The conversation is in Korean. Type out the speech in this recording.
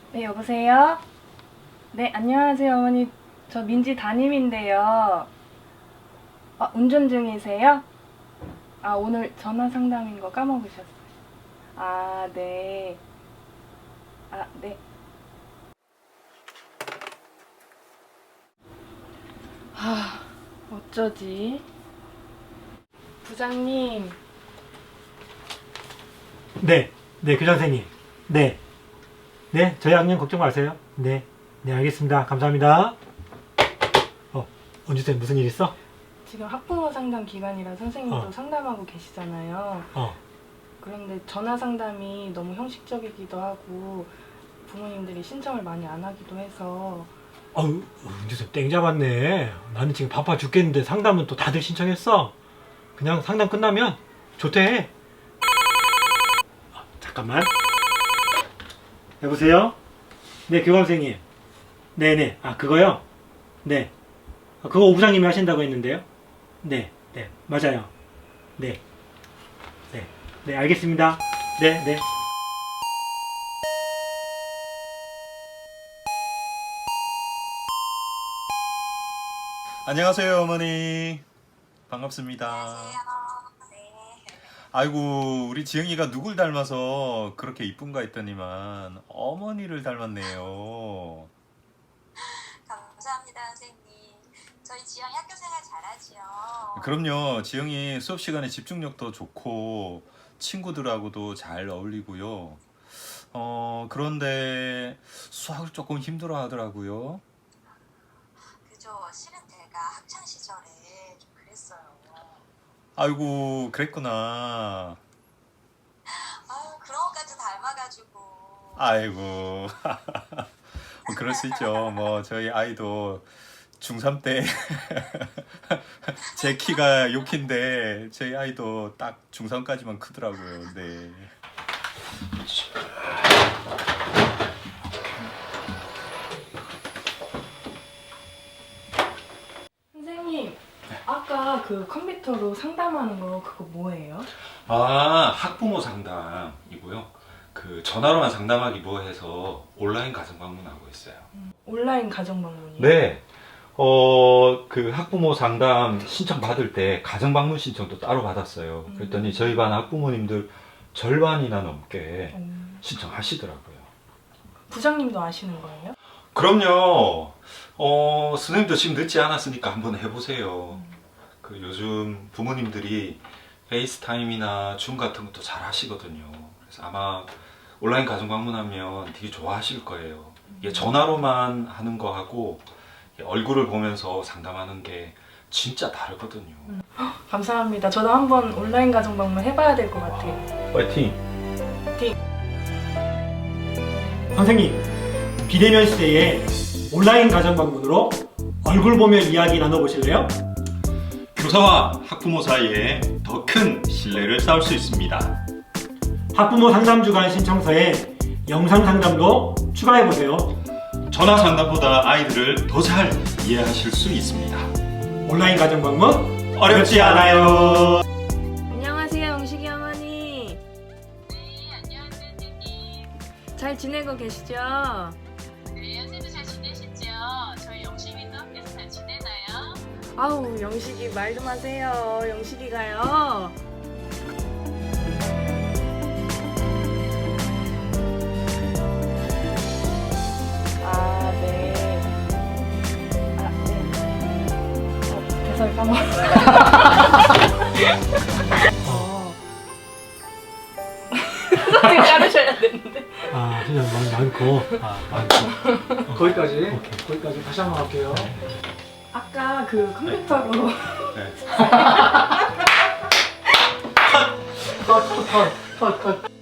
네, 여보세요? 네, 안녕하세요, 어머니. 저 민지 담임인데요. 운전 중이세요? 오늘 전화 상담인 거 까먹으셨어요. 네. 네. 어쩌지? 부장님, 네, 네, 교장선생님. 네, 네, 저희 학년 걱정 마세요. 네, 네, 알겠습니다. 감사합니다. 은주쌤 무슨 일 있어? 지금 학부모 상담 기간이라 선생님도 어. 상담하고 계시잖아요. 그런데 전화 상담이 너무 형식적이기도 하고 부모님들이 신청을 많이 안 하기도 해서 은주쌤 땡 잡았네. 나는 지금 바빠 죽겠는데 상담은 또 다들 신청했어. 그냥 상담 끝나면 조퇴해. 잠깐만. 여보세요? 네, 교감선생님. 네네. 그거요? 네. 그거 오 부장님이 하신다고 했는데요? 네, 네, 맞아요. 네, 네, 네, 알겠습니다. 네, 네. 안녕하세요, 어머니. 반갑습니다. 안녕하세요. 네. 아이고, 우리 지영이가 누굴 닮아서 그렇게 이쁜가 했더니만 어머니를 닮았네요. 감사합니다, 선생님. 저희 지영이 학교 생활 잘하지요? 그럼요, 지영이 수업 시간에 집중력도 좋고 친구들하고도 잘 어울리고요. 그런데 수학을 조금 힘들어 하더라고요. 그죠. 실은 제가 학창 시절에 좀 그랬어요. 아이고, 그랬구나. 그런 것까지 닮아가지고. 아이고. 뭐 그럴 수 있죠. 뭐 저희 아이도 중3 때 제 키가 6키인데 저희 아이도 딱 중3까지만 크더라고요. 네. 선생님, 아까 그 컴퓨터로 상담하는 거 그거 뭐예요? 학부모 상담이고요. 그 전화로만 상담하기 뭐해서 온라인 가정 방문하고 있어요. 온라인 가정 방문이요? 네. 그 학부모 상담 신청 받을 때 가정 방문 신청도 따로 받았어요. 그랬더니 저희 반 학부모님들 절반이나 넘게 신청하시더라고요. 부장님도 아시는 거예요? 그럼요. 선생님도 지금 늦지 않았으니까 한번 해보세요. 그 요즘 부모님들이 페이스타임이나 줌 같은 것도 잘 하시거든요. 그래서 아마 온라인 가정 방문하면 되게 좋아하실 거예요. 이게 전화로만 하는 거하고 얼굴을 보면서 상담하는 게 진짜 다르거든요. 감사합니다. 저도 한번 온라인 가정 방문 해봐야 될 것 같아요. 파이팅! 선생님, 비대면 시대에 온라인 가정 방문으로 얼굴 보며 이야기 나눠보실래요? 교사와 학부모 사이에 더 큰 신뢰를 쌓을 수 있습니다. 학부모 상담 주간 신청서에 영상 상담도 추가해보세요. 전화 상담보다 아이들을 더 잘 이해하실 수 있습니다. 온라인 가정 방문 어렵지 않아요. 안녕하세요, 영식이 어머니. 네, 안녕하세요, 선생님. 잘 지내고 계시죠? 네, 선생님도 잘 지내시죠? 저희 영심이도 학교에서 잘 지내나요? 영식이 말 좀 하세요. 영식이가요. 네. 대사를 까먹었어요. 소리 자르셔야 되는데. 진짜 많고. 많고. 거기까지. 오케이. 거기까지 다시 한번 할게요. 아까 그 컴퓨터로 네. 컷.